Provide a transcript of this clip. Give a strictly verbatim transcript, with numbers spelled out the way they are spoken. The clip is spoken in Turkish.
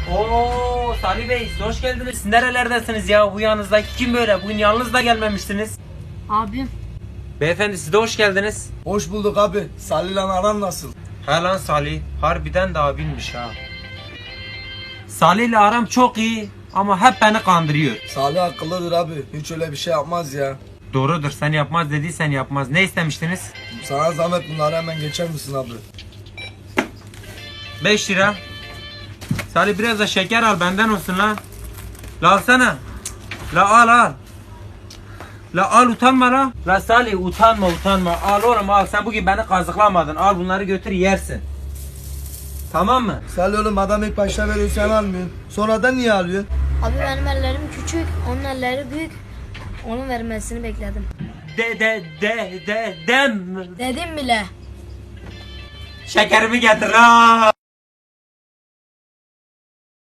Oo Salih Bey siz hoş geldiniz. Siz nerelerdesiniz ya? Bu yanınızdaki kim böyle? Bugün yalnız da gelmemiştiniz. Abim. Beyefendi siz de hoş geldiniz. Hoş bulduk abi. Salih'le aran nasıl? Ha lan Salih. Harbiden de abinmiş ha. Salih'le aram çok iyi ama hep beni kandırıyor. Salih akıllıdır abi. Hiç öyle bir şey yapmaz ya. Doğrudur, sen yapmaz dediysen yapmaz. Ne istemiştiniz? Sana zahmet bunları hemen geçer misin abi? beş lira. Salih biraz da şeker al benden olsun lan. La alsana. La al al. La al utanma la. La Salih utanma utanma. Al oğlum al, sen bugün beni kazıklamadın. Al bunları götür yersin. Tamam mı? Salih oğlum adam ilk başta veriyor sen almıyorsun. Sonradan niye alıyorsun? Abi benim ellerim küçük, onun elleri büyük. Onun vermesini bekledim. De de de de dem. Dedim bile. Şekerimi getir la.